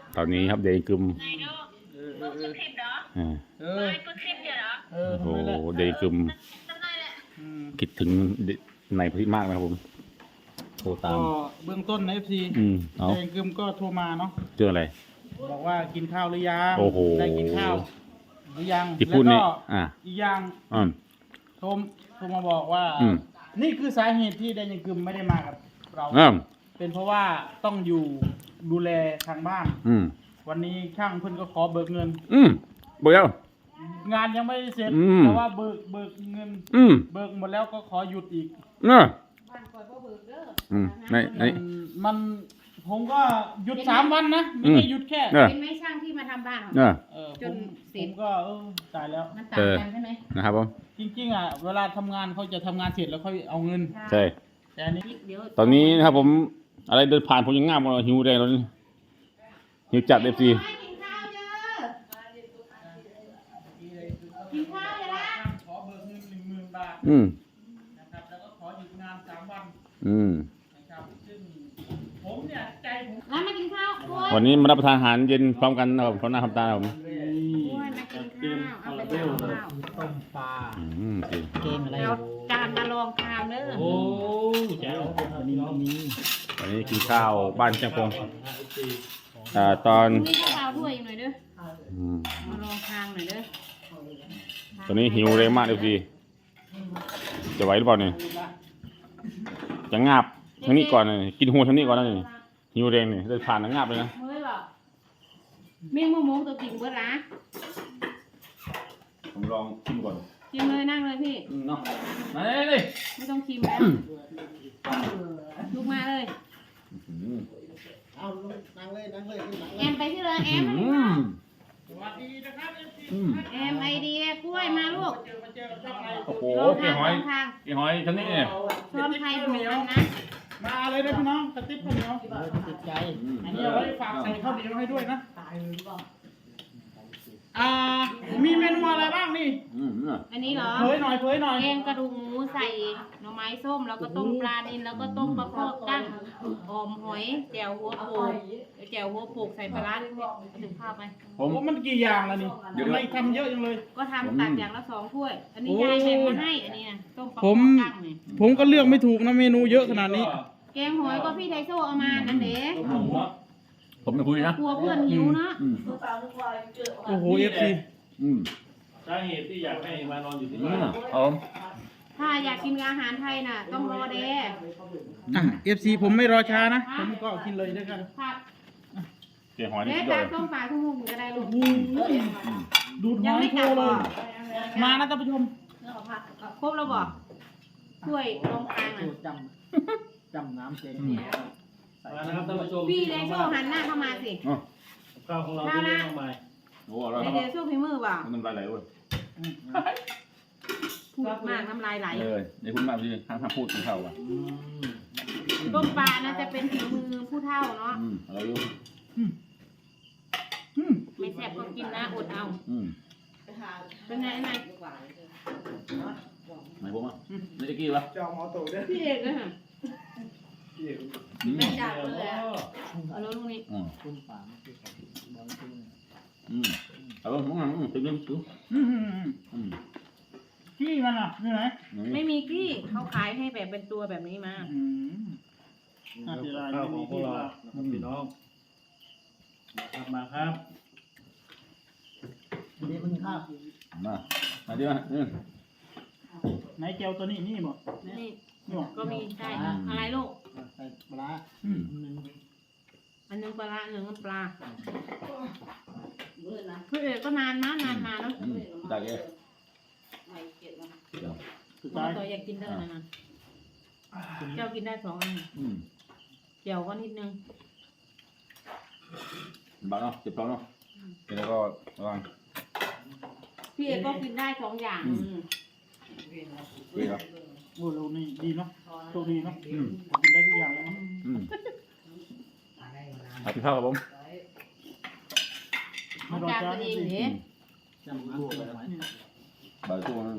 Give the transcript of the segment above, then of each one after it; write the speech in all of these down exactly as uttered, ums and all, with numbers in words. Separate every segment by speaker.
Speaker 1: ตอนนี้ครับเดย์กึม
Speaker 2: ไหนดูมึงคือคลิปเหรอ
Speaker 1: อ่า
Speaker 3: เอ
Speaker 2: เฮ้
Speaker 3: อย
Speaker 2: กูคลิปเดียวเหรอ
Speaker 3: เออ
Speaker 1: โอ้
Speaker 3: ทำ
Speaker 1: โห
Speaker 3: ไมล่ะ
Speaker 1: เดย์กึม
Speaker 2: จำได้แหละ
Speaker 3: อืม
Speaker 1: คิดถึงในพระที่มากนะครับผมโทรตาม
Speaker 3: ก็เบื้องต้นนะเอฟซี
Speaker 1: อืมเอา
Speaker 3: แดงกึมก็โทรมาเนาะ
Speaker 1: เจออะไร
Speaker 3: บอกว่ากินข้าวหรือยัง
Speaker 1: โอ้โห
Speaker 3: ได้กินข้าวหรือยัง
Speaker 1: ที่พูด
Speaker 3: แล้ว
Speaker 1: นี่
Speaker 3: ก็
Speaker 1: อ่า
Speaker 3: อีกอย่าง
Speaker 1: อืม
Speaker 3: โทรโทรมาบอกว่า
Speaker 1: อืม
Speaker 3: นี่คือสาเหตุที่แดงกึมไม่ได้มากับเรา
Speaker 1: อืม
Speaker 3: เป็นเพราะว่าต้องอยู่ดูแลทางบ้าน
Speaker 1: อืม
Speaker 3: วันนี้ช่างเพิ่นก็ขอเบิกเงิน
Speaker 1: อืมเบื่อ
Speaker 3: งานยังไม่ได้เสร็จ
Speaker 1: อืม
Speaker 3: แต่ว่าเบิกเบิกเงิน
Speaker 1: อืม
Speaker 3: เบิกหมดแล้วก็ขอหยุดอีก
Speaker 1: เนอะอืมในใน
Speaker 3: มันมันผมก็หยุดสามวันนะไม่
Speaker 1: อืม
Speaker 3: ใช่หยุดแค่
Speaker 1: เนอะ
Speaker 4: เป็นไหม่ช่างที่มาทำบ้านของ
Speaker 1: เนอะ
Speaker 3: เออผ
Speaker 4: จน
Speaker 3: ม
Speaker 4: เสร็
Speaker 3: ผ
Speaker 4: จ
Speaker 3: มก็เออตายแล้ว
Speaker 4: มันต่างกันใช่ไหม
Speaker 1: นะครับผม
Speaker 3: จริงๆอ่ะเวลาทำงานเขาจะทำงานเสร็จแล้วค่อยเอาเงิน
Speaker 1: ใช่
Speaker 3: แต่อันนี้
Speaker 4: เดี๋ยว
Speaker 1: ตอนนี้นะครับผมอะไรเดินผ่านผมยังง่ามเลยหิวแรงเลยหิวจัดเอฟซี
Speaker 4: กินข้าวเด้อกินข้าวเลยละ
Speaker 3: ขอเบิกเงินหนึ่งหมื่นบาท
Speaker 1: อืม
Speaker 3: นะครับแล้วก็ขอหยุดงานสามวัน
Speaker 1: อืม
Speaker 3: นะครับซึ่งผมเนี่ยใจผม
Speaker 4: แล้วมากินข้าวกล้วย
Speaker 1: วันนี้มารับประทานอาหารเย็นพร้อมกันนะครับพร้อมหน้าพร้อมตาครับผม
Speaker 4: กล้วยมากินข้าวเอาไปทำข้าว
Speaker 3: ต้มปลา
Speaker 1: อืมจริง
Speaker 3: เกมอะไร
Speaker 4: เราจานมาลองทานเด้อ
Speaker 3: โอ้เจ้าวันนี้มี
Speaker 1: วันนี้กินข้าวบ้านเชียงพงอ่าตอน
Speaker 4: นี่ก็เอาถ้วยอีกหน่อยเด้อ
Speaker 1: อืม
Speaker 4: มาลองทานหน่อยเด้อ
Speaker 1: ตอนนี้หิวแรงมากเอฟซีจะไหวหรือเปล่าเนี่ยจะงาบทั้งนี้ก่อนเลยกินหัวทั้งนี้ก่อนนะนี่หิวแรงเนี่ยเดินผ่านแล้วงาบเลยนะ
Speaker 4: เฮ้ยบอกเมี่ยงมะม่วงตัวกินเบิดละ
Speaker 1: ผมลองชิมก่อน
Speaker 4: กินเลยนั่งเลยพี่
Speaker 1: เนาะมาเลยเลย
Speaker 4: ไม่ต้องชิมแล้วลุกมาเลย
Speaker 5: เอาลงนั่งเลยนั่งเลยขึ้นหลัง
Speaker 4: แอมไปที่เลยแอม
Speaker 1: อืม
Speaker 3: สวัสดีนะครับเอฟซี
Speaker 1: อืม
Speaker 4: แอมไอเดียกล้วยมาลูก
Speaker 3: เจอมาเจอกับช่องไอ
Speaker 1: โอ้โห
Speaker 4: ลอง
Speaker 1: กี่
Speaker 4: ทาง
Speaker 1: หอย
Speaker 4: ลองทาง
Speaker 1: กี่หอยทั้งนี้เนี่ย
Speaker 4: ช้อนไทยเหมือนกันนะ
Speaker 3: มาเลยนะพี่น้องกระติบข้าวเหนียว
Speaker 5: ติดใจ
Speaker 3: อันนี้เอาไว้ฝากใส่ข้าวเหนียวให้ด้วยนะอ่ามีเมนูอะไรบ้างนี่
Speaker 1: อืมเนี่ย
Speaker 4: อันนี้เหรอ
Speaker 3: เผยหน่อยเผยหน่อย
Speaker 4: แกงกระดูกหมูใส่หน่อไม้ส้มแล้วก็ต้มปลานิลแล้วก็ต้มปลาคอกั้งออมหอยแจ่วหัวโปกแจ่วหัวโปกใส่ปลาร้านิดนึงถึงข้าวไป
Speaker 1: ผม
Speaker 3: โอ้มันกี่อย่างแล้วนี่ทำไมทำเยอะจังเลย
Speaker 4: ก็ทำตักอย่างละสองถ้วย อันนี้ยายแบ่งมาให้อันนี้นะต้มปลาค
Speaker 3: ผ
Speaker 4: อ
Speaker 3: ม
Speaker 4: กั้งนี่
Speaker 3: ผมก็เลือกไม่ถูกนะเมนูเยอะขนาดนี้
Speaker 4: แกงหอยก็พี่ไทโซเอามานั่นเด้
Speaker 1: ผมไม่คุยนะ
Speaker 4: กลัวเพื่อนหิวเนาะ
Speaker 1: อืม
Speaker 3: โอ้โหเอฟซี
Speaker 1: อืม
Speaker 6: สาเหตุที่อยากให้มานอนอยู่ที่
Speaker 1: อื
Speaker 6: บ้าน
Speaker 1: มเอา
Speaker 4: ถ้าอยากกินอาหารไทยน่ะ ต้องรอเด้
Speaker 3: อ่ะเอฟซีผมไม่รอช้านะ ผมก็กินเลยด้วยกัน
Speaker 4: ครับ
Speaker 1: เกี่ยหอยนี่
Speaker 4: เด้
Speaker 1: สุดยอ
Speaker 4: จา
Speaker 1: ด
Speaker 4: ก
Speaker 1: เลย
Speaker 4: ต้มปลาทุ่งมุกก็ได้ลูก
Speaker 3: ดูดห
Speaker 4: ยัง
Speaker 3: อย
Speaker 4: ไม่
Speaker 3: โช
Speaker 4: กลับ
Speaker 3: ว์เล
Speaker 4: บ่
Speaker 3: ย มานะท่านผู้ชม
Speaker 4: ครบแล้วบ่ถ้วยรองกลางน่ะ
Speaker 5: จำจำน้ำเจง
Speaker 6: มานะครับท่านผู้ชม
Speaker 4: พี่ไดโซหันหน้าเข้ามาสิ
Speaker 1: อ๋อ
Speaker 6: ข้าวของเราที่เลี้ยงมา
Speaker 1: โอ้อร่อย
Speaker 4: ได
Speaker 1: ครับ
Speaker 4: เดโซฝีมือเปล่า
Speaker 1: น้ำลายไหลเว้ย
Speaker 4: พูดมากน้ำลายไหล
Speaker 1: เออในคุณมากพี่ห้ามห้ามพูดถึงเขาอ่ะ
Speaker 4: ต้มปลานะจะเป็นฝีมือผู้เฒ่าเนาะ
Speaker 1: อืมอร่อยอยู่
Speaker 3: อืม
Speaker 4: ไม่แซ่บก็กินนะอดเอา
Speaker 1: อืม
Speaker 4: เป็นไงไง
Speaker 1: ไหนผมอ่ะนี่ตะกี้วะ
Speaker 5: จองหมอตู่ด้วย
Speaker 4: พี่เอกนะฮะ
Speaker 1: อืม
Speaker 4: แม่จับเลยอะเอาแล้วลูกนี้
Speaker 1: อืม
Speaker 5: คุณป่าไม่ใช่ของบอลจริง
Speaker 1: อืมเอาลงอืมอืมถึงนึงถึง
Speaker 3: อืมอืมอืม
Speaker 1: อืม
Speaker 3: ขี้มันอ่ะนี่ไหน
Speaker 4: ไม่มีกี้เขาขายให้แบบเป็นตัวแบบนี้มา
Speaker 3: อืม น่าเสียดาย
Speaker 6: ข้าวของพวกเรานะครับพี่น้องครับมาครับ
Speaker 5: อันนี้มันคาบ
Speaker 1: มามาดิมาอืม
Speaker 3: ไหนเจียวตัวนี้นี่บ่
Speaker 4: นี่
Speaker 3: นี่บ่
Speaker 4: ก็มีใช่อะไรลูก
Speaker 5: ใส่ปลา
Speaker 3: อืม
Speaker 5: หนึ่ง
Speaker 4: อันหนึงปลาร้าอันหนึงน้ำปลาพี่เอกก็นานนะนานมาเนาะ
Speaker 1: อืมได้เลยเดี๋ยว
Speaker 3: สุด
Speaker 4: บอ
Speaker 3: ท้าก ย
Speaker 4: ตัวอยากกินเด้อนะนะเจ้ากินได้สองอัน
Speaker 1: อืม
Speaker 4: เจียวก็นิดนึง
Speaker 1: บ้าเนาะเจ็บท้องเนาะแล้วก็ระวัง
Speaker 4: พี่เอกก็กินได้สองอย่างอืม
Speaker 1: เว้ยครับ
Speaker 3: โอ้เรานี่ดีเนาะโชคดีเนาะ
Speaker 1: อืม
Speaker 3: กินได้ทุกอย่างเลยเนาะ
Speaker 1: อืมเอาพี่ข้าวครับผม
Speaker 4: เอาจานตัวเองเด้
Speaker 5: จำน้ำเจงไว้
Speaker 1: บ่ายตัวนึง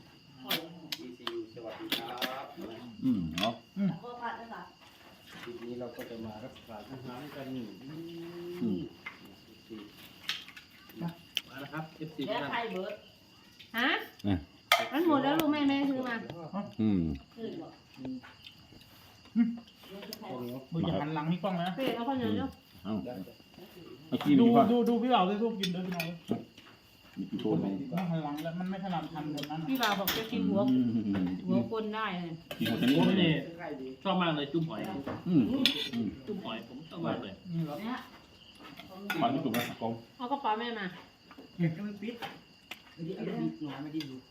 Speaker 1: อืมเนาะ
Speaker 5: คลิปนี้
Speaker 6: เราก็จะมารับประทานอาหารกัน
Speaker 1: อืม
Speaker 6: มาแล้วครับ เอฟ ซี
Speaker 4: แล้ว
Speaker 6: นะ
Speaker 4: ใครเบิร์ดฮะ
Speaker 1: อ่ะ
Speaker 4: มันหมดแล้วลูกแม่แม่ซื้อมา
Speaker 1: อืม
Speaker 3: มึงอย่าหันหลังนี่กล้องนะ
Speaker 4: เฟรเอาข้าวเหนียวเนาะ
Speaker 1: เอ้าเมื่อกี้
Speaker 3: ดู
Speaker 1: มีว่า
Speaker 3: ดูดูพี่บ่าวด้วยรูปกินด้วยพี่น้อง
Speaker 1: มีกี่โทนไหม
Speaker 3: ไม่หันหลังแล้วมันไม่ถนัดทำแบบนั้น
Speaker 4: พี่บ่าวบอกจะกินหัว
Speaker 1: อืม
Speaker 4: หัวคนได้เลย
Speaker 1: กินหัวชนิด
Speaker 6: ผม
Speaker 1: นี้
Speaker 6: นี่ชอบมากเลยจุ่มหอย
Speaker 1: อืมอืม
Speaker 6: จุ่มหอยผมชอบมากเลย
Speaker 3: นี่เหรอ
Speaker 4: เนี่ย
Speaker 1: ฟันที่จุกนะกอง
Speaker 4: เอากระเป๋าแม่มา
Speaker 5: ก็ไม่ปิดไม่ได้ไม่ได้หน่อยไม่ได้ดู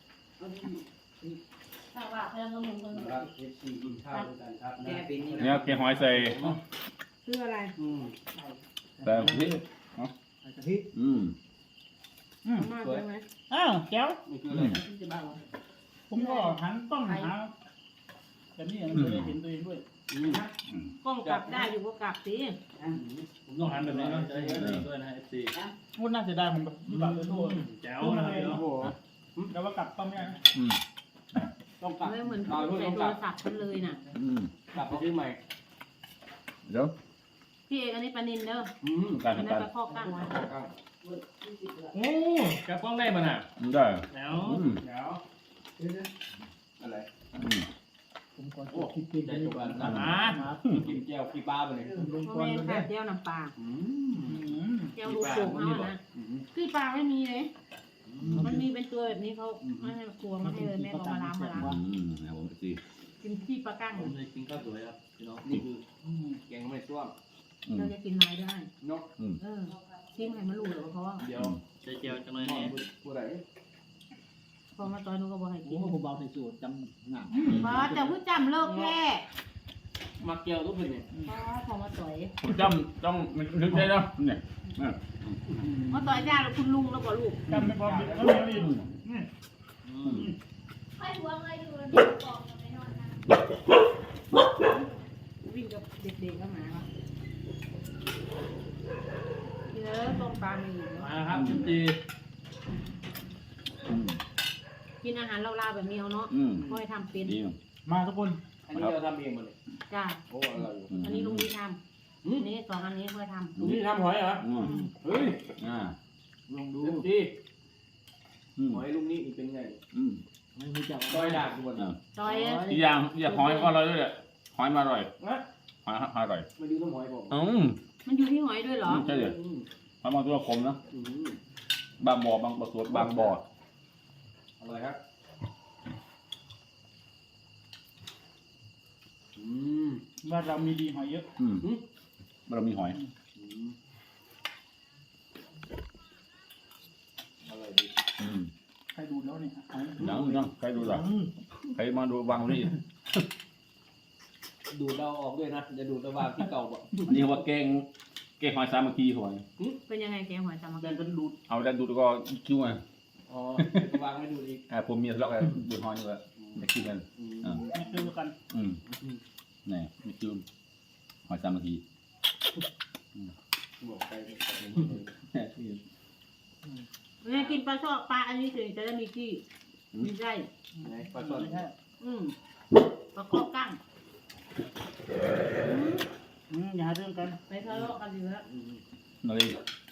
Speaker 4: ถ้าว่าเพื่อนก็มึงคน
Speaker 5: ครับเอฟซีกินข้าวด้วยกันครับแกเป็นนี่
Speaker 1: เนี่ยแกงหอยใส่
Speaker 4: ซื้ออะไร
Speaker 5: อืม
Speaker 1: แต่พริก
Speaker 5: ใส่กะทิ
Speaker 1: อืม
Speaker 3: อืม
Speaker 4: มากใช่ไหม
Speaker 3: อ้าวแก้ว
Speaker 5: นี่คืออะไร
Speaker 4: จะบ้า
Speaker 3: ผมก็หันกล้องหาแต่นี่ยังไม่ได้เห็นตัวเองด้วย
Speaker 5: อืม
Speaker 4: กล้องกลับได้อยู่ก็กลับสิ
Speaker 6: ผมต้องหันแบบนี้เนาะจะได้เห็นด้วยนะ เอฟ ซี
Speaker 3: พูดน่าเสียดายผมแบบพี่บ่าวเลยโทษ
Speaker 6: แจ๋วนะครับพี่น้อง
Speaker 5: โอ้โห
Speaker 3: แต่ว่ากลับก็ไม่ได้นะ
Speaker 1: อืม
Speaker 5: ต้องกลับ
Speaker 4: ไม่เหมือน
Speaker 5: นอน
Speaker 4: ใส่
Speaker 5: เพิ่งต้อง
Speaker 4: โท
Speaker 5: กลั
Speaker 4: ร
Speaker 5: บ
Speaker 4: ศัพท์ฉันเลยน่ะ
Speaker 1: อืม
Speaker 5: กลับไปซื้อใหม่
Speaker 1: เดี๋ยว
Speaker 4: พี่เอกอันนี้ปลานินเด้อ
Speaker 5: อืม
Speaker 1: การ
Speaker 4: อัน
Speaker 1: ทำ
Speaker 4: นั้
Speaker 1: กาน ร
Speaker 4: ปลาข้อกั้ง
Speaker 5: ครับ
Speaker 6: โอ้แกป้องได้ป่ะน่ะ
Speaker 1: ได้
Speaker 6: แจ๋ว
Speaker 1: อืม
Speaker 5: เดี๋ยวอะไร
Speaker 1: อืม
Speaker 3: ผมก่อนจะคิดกิน
Speaker 5: ได้ทุกวัน
Speaker 6: อ่า
Speaker 5: นะกินแก้วขี้ปลาไปเลย
Speaker 3: ลง
Speaker 4: โม
Speaker 3: ก่อน
Speaker 4: เมน
Speaker 3: เลย
Speaker 4: ค่ะเจียวน้ำปลา
Speaker 5: อื
Speaker 3: อื
Speaker 5: ม
Speaker 3: ม
Speaker 4: เจียวลูกโป่งเอานะ
Speaker 5: อืม
Speaker 4: คือปลาไม่มีเลย มันมีเป็นตัวแบบนี้เขาไม่ให้ครัวมาให้เลยแม่ก็มาล้างมาล้าง
Speaker 1: อืมนะผมสิ
Speaker 4: กินที่ปลากั้ง
Speaker 6: ผมจะกินข้าวสวยครับพี่น้อง
Speaker 5: นี่คือแกงไม่ส้วม
Speaker 1: อืม
Speaker 4: เราจะกินไม้ได้
Speaker 5: นก
Speaker 1: อืม
Speaker 4: เออชิมให้มันรู้เลยว่าเขาว่า
Speaker 5: เดี๋ยว
Speaker 6: ใจเจียวจังเลย
Speaker 5: มอ
Speaker 6: เนี่
Speaker 5: ง
Speaker 6: ย
Speaker 5: ผู้ใด
Speaker 4: พอมาตอนนู้นก็บอกให้กิน
Speaker 5: ผมเบาในสูตรจำหนัก
Speaker 4: ป้าแต่ผู้จำเลิกแค่
Speaker 5: มาแก้วทุกคนเนี่ย
Speaker 4: ป้าพอมาต่อย
Speaker 1: ผมจำต้องนึกได้แล้วเนี่ยอ่ะ
Speaker 4: มาต่อยจ้าแล้วคุณลุงแล้วก็ลูก
Speaker 3: จำไม่พอบิดแล้วไม่บิด
Speaker 6: อืม
Speaker 4: วิ่งกับเด็กๆก็มากินแล้วต้มปลาไม่อยู่
Speaker 6: มาแล้วครับ เอฟ ซี
Speaker 1: อืม
Speaker 4: กินอาหารลาวๆแบบนี้เอาเนาะ
Speaker 1: อืม
Speaker 4: ค่อยทำเป็น
Speaker 1: ดี
Speaker 3: มาทุกคน
Speaker 5: อันนี้เราทำเองหมดเลย
Speaker 4: จ้า
Speaker 5: โอ้อร่อยอยู่
Speaker 4: อันนี้ลุงดีทำอันนี้สองอันนี้ค่อยทำ
Speaker 5: ลุงนี่ทำหอยเหรอ
Speaker 1: อืม
Speaker 5: เฮ้ย
Speaker 1: อ่า
Speaker 5: ลองดูดิ
Speaker 1: อืม
Speaker 5: หอยลุงนี่เป็นไง
Speaker 1: อืม
Speaker 5: ไม่รู้จักต้อยด่างทุกคน
Speaker 1: อ่า
Speaker 4: ต่อย
Speaker 1: อีกอย่างอยากหอยก็อร่อยด้วยแหละหอยมาอร่อย
Speaker 5: นะ
Speaker 1: หอยหอยอร่อย
Speaker 5: มาดูน้ำหอยผม
Speaker 1: อืม
Speaker 4: มันอยู่ที่หอยด้วยเหรอ
Speaker 1: ใช่เลย
Speaker 5: อืม
Speaker 1: หอยบางตัวคมนะ
Speaker 5: อืม
Speaker 1: บางบ่อบางบ่อสวนบางบ่อ
Speaker 5: อร่อยครับอืม
Speaker 3: ว่าเรามีดีหอยเยอะ
Speaker 1: อืมเรามีหอย
Speaker 5: อืมอร่อยดี
Speaker 1: อืม
Speaker 3: ใครดูแล้วเนี่ยหอย
Speaker 1: หนังนังใครดูล่ะใครมาดูวางนี่
Speaker 5: ดูดเราออกด้วยนะจะดูดระหว่างที่เก่าบ่
Speaker 1: อันนี้เขาว่าแกงแกงหอยสามัคคีหอย
Speaker 4: เป็นยังไงแกงหอยสามัค
Speaker 3: แต่
Speaker 4: คี
Speaker 3: เป็นดูด
Speaker 1: เอาแต่ดูแล้วก็คิ้วไง
Speaker 5: อ๋อวางไม่ดูดอีก
Speaker 1: อ่าผมมีทะเลาะกันดูหอยนี่แหละจะคิ้วกัน
Speaker 5: อืม
Speaker 1: อ่า
Speaker 3: ไม่คือกัน
Speaker 1: อืมนี่มีคิ้วหอยสามัคคี
Speaker 5: บอกไป
Speaker 4: แม่กินปลาชอบปลาอันนี้ถึงจะได้มีที่มีได้
Speaker 5: ไหนปลาช่อน
Speaker 3: ไม่ใช่
Speaker 4: อืมปลาข้อกั้ง
Speaker 3: อืมอย่าหาเรื่องกัน
Speaker 4: ไปทะเลาะกันอยู่แล้ว
Speaker 5: อืม
Speaker 1: นั่นเอง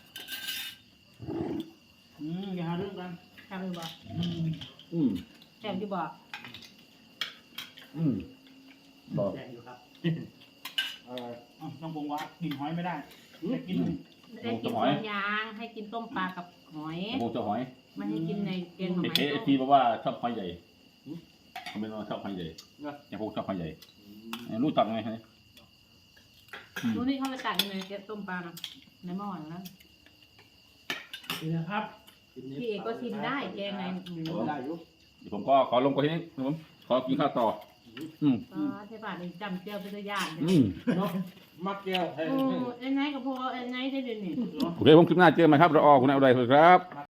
Speaker 3: อืมอย่าหาเรื่องกัน
Speaker 4: ทำหรือเปล่า
Speaker 3: อืม
Speaker 1: อืม
Speaker 4: แถมที่บอก
Speaker 1: อืมบอก
Speaker 6: แจ๋วอยู่ครับ
Speaker 5: เออ
Speaker 3: อ่ะต้องบอกว่ากินหอยไม่ได้แต่กิน
Speaker 4: ได้กินสองอย่างให้กินต้มปลากับหอย
Speaker 1: ผมจะหอย
Speaker 4: ไม่ให้กินในแกงห
Speaker 1: เอ
Speaker 4: อย
Speaker 1: เอ
Speaker 4: ต้ม
Speaker 1: ทีบอกว่าชอบหอยใหญ่เขาเป็นว่าชอบหอยใหญ่อย่างพวกชอบหอยใหญ่รู้จักไงฮะ
Speaker 4: ดูนี่เขาไปตักยังไงแกงต้มปลาน่ะในหม้อนะ
Speaker 6: นี่นะครับ
Speaker 4: พี่เอกก็ชิมได้แกงในหมู
Speaker 5: ได้อยู่
Speaker 1: เดี๋ยวผมก็ขอลงไปที่นี่ครับผมขอกินข้าวต่อ อืม
Speaker 4: ก็ใช่ป่ะนี่จำเจียวเป็นตัวอย่าง
Speaker 1: อืม
Speaker 5: เนาะมักแก้วให้
Speaker 4: โอ้ไอ้ไนท์กับพอไอ้ไนท์ได้เดี๋ยวนี้
Speaker 1: โอเคผมคลิปหน้าเจอกันใหม่ครับรอคุณนายอุไรครับ